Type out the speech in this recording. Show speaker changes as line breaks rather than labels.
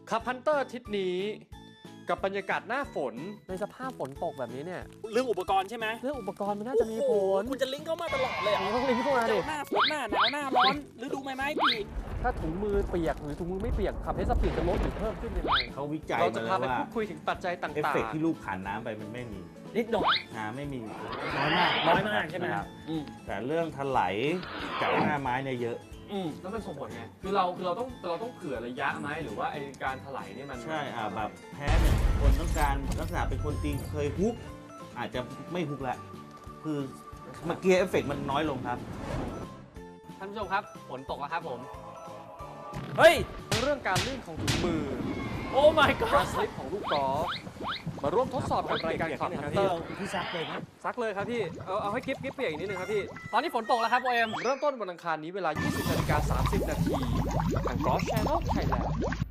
ขับฮันเตอร์ทิศนี้กับบรรยากาศหน้าฝน
ในสภาพฝนตกแบบนี้เนี่ย
เรื่องอุปกรณ์ใช่ไหม
เรื่องอุปกรณ์มันน่าจะมีผล
คุณจะลิงก์เข้ามาตลอดเลยเหรอ
ต้องลิงก์เข้ามาดิ
หน้าฝนหน้าหนาวหน้าร้อนฤดูใบไม้ผลิ
ถ้าถุงมือเปียกหรือถุงมือไม่เปียกขับเทสปีดจะลดหรือเพิ่มขึ้นยังไง
เขาวิจัย
เราจะ
มา
พา
แล้ว
ไป
ว่า
พูดคุยถึงปัจจัยต่าง
เอฟเฟกต์ที่ลูกผ่านน้ำไปมันไม่มี
นิดหน่อย
ไม่มีน้อยมาก
น้อยมากใช่ไหม
นะครับ
อืม
แต่เรื่องถลายจากหน้าไม้เนี่ยเยอะ
แล้วมันส่งผลไงคือเราต้องเผื่อระยะไหมหรือว่าไอการถลายเนี่ยมัน
ใช่แบบแพ้เนี่ยคนต้องการลักษณะเป็นคนตีเคยฮุกอาจจะไม่ฮุกแล้วคือเมื่อกี้เอฟเฟกต์มันน้อยลงครับ
ท่านผู้ชมครับฝนตกแล้วครับผม
เฮ้ย
เรื่องการลื่นของถุงมือ
โอ้ my
การ
god
สลิปของลูกกอล์ฟมาร่วมทดสอบกับรายการขับฮันเตอร์
พี่ซักเลยนะ
ซักเลยครับพี่เอาให้กิ๊บเปียกอีกนิดนึงครับพี่
ตอนนี้ฝนตกแล้วครับโอเอ็ม
เริ่มต้นวันอังคารนี้เวลา 20:30 นาทีทางกอล์ฟแชนแนลไทยแลนด์